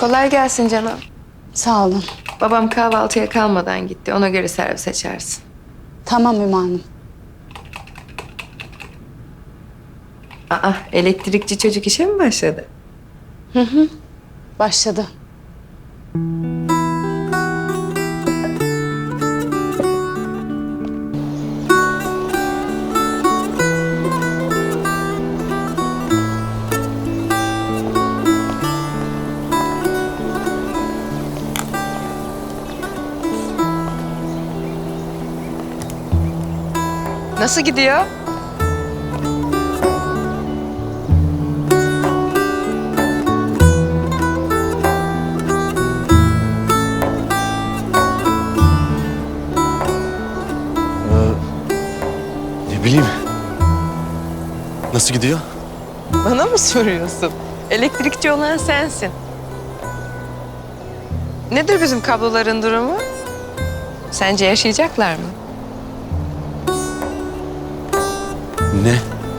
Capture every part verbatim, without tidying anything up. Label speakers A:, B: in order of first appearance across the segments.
A: Kolay gelsin canım.
B: Sağ olun.
A: Babam kahvaltıya kalmadan gitti. Ona göre servis açarsın.
B: Tamam Ümmü Hanım.
A: Aa, elektrikçi çocuk işe mi başladı?
B: Başladı.
A: Nasıl gidiyor?
C: Ne bileyim. Nasıl gidiyor?
A: Bana mı soruyorsun? Elektrikçi olan sensin. Nedir bizim kabloların durumu? Sence yaşayacaklar mı?
C: Ne?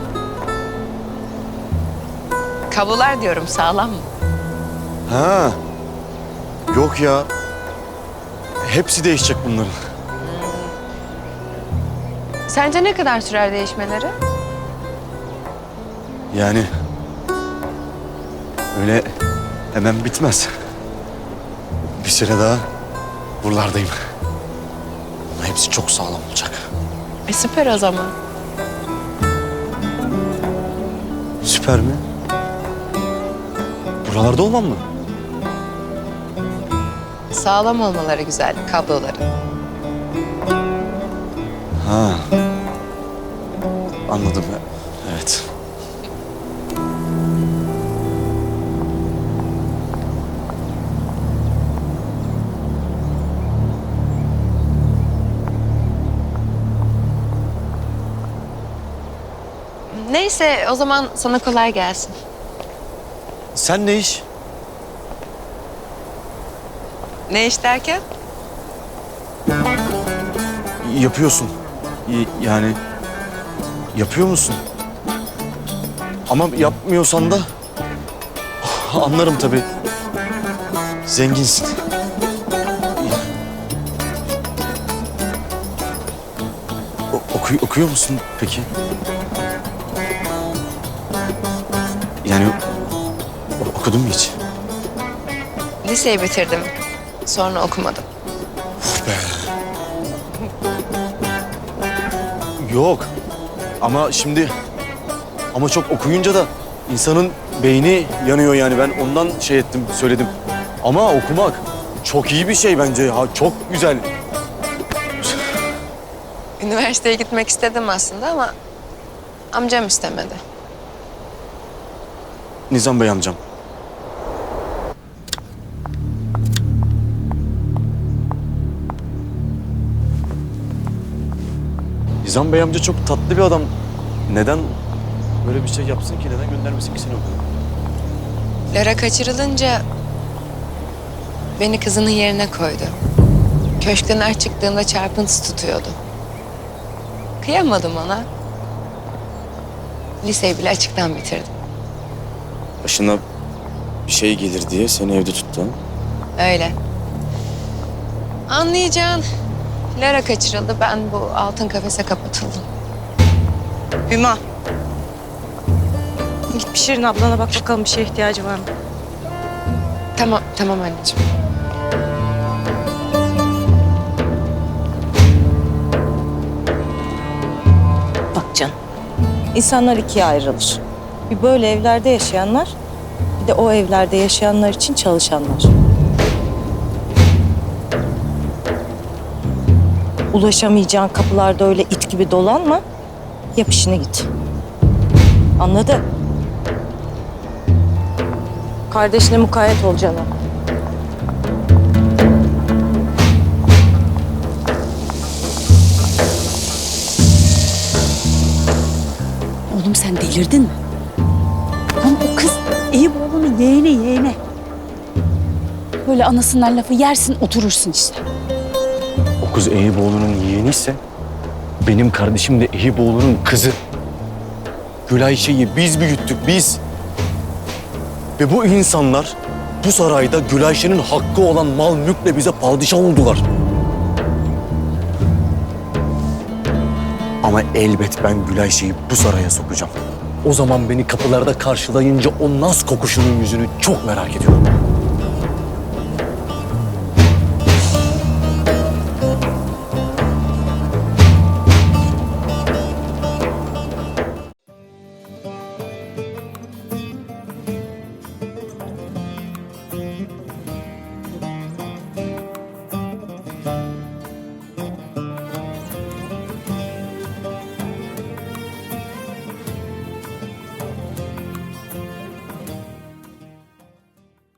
A: Kablolar diyorum, sağlam mı?
C: Ha. Yok ya. Hepsi değişecek bunların.
A: Sence ne kadar sürer değişmeleri?
C: Yani öyle hemen bitmez. Bir süre daha buralardayım. Ama hepsi çok sağlam olacak.
A: E süper o zaman.
C: Süper mi? Buralarda olmam mı?
A: Sağlam olmaları güzel kabloların.
C: Ha. Anladım. Evet.
A: Neyse o zaman sana kolay gelsin.
C: Sen ne iş?
A: Ne iş derken?
C: Yapıyorsun. Y- Yani yapıyor musun? Ama yapmıyorsan da anlarım tabii. Zenginsin. O- oku- okuyor musun peki? Yani o- okudun mu hiç?
A: Liseyi bitirdim. Sonra okumadım.
C: Yok. Ama şimdi ama çok okuyunca da insanın beyni yanıyor yani. Ben ondan şey ettim, söyledim. Ama okumak çok iyi bir şey bence. Ha, çok güzel.
A: Üniversiteye gitmek istedim aslında ama amcam istemedi.
C: Nizam Bey amcam. Nizam Bey amca çok tatlı bir adam. Neden böyle bir şey yapsın ki? Neden göndermesin ki seni okula?
A: Lara kaçırılınca beni kızının yerine koydu. Köşkten her çıktığında çarpıntısı tutuyordu. Kıyamadım ona. Liseyi bile açıktan bitirdim.
C: Başına bir şey gelir diye seni evde tuttu.
A: Öyle. Anlayacağın Lara kaçırıldı. Ben bu altın kafese kapatıldım.
D: Hüma. Git bir Şirin ablana bak bakalım bir şeye ihtiyacı var mı?
A: Tamam, tamam anneciğim.
D: Bak canım. İnsanlar ikiye ayrılır. Bir böyle evlerde yaşayanlar, bir de o evlerde yaşayanlar için çalışanlar. Ulaşamayacağın kapılarda öyle it gibi dolanma. Yap işine git. Anladı? Kardeşine mukayyet ol canım.
B: Oğlum sen delirdin mi? Lan o kız Eyüboğlu'nun yeğeni yeğeni. Böyle anasından lafı yersin oturursun işte.
C: O kız Eyüboğlu'nun yeğeniyse benim kardeşim de Eyüboğlu'nun kızı. Gül Ayşe'yi biz büyüttük biz. Ve bu insanlar bu sarayda Gülayşe'nin hakkı olan mal mülkle bize padişah oldular. Ama elbet ben Gülayşe'yi bu saraya sokacağım. O zaman beni kapılarda karşılayınca o naz kokuşunun yüzünü çok merak ediyorum.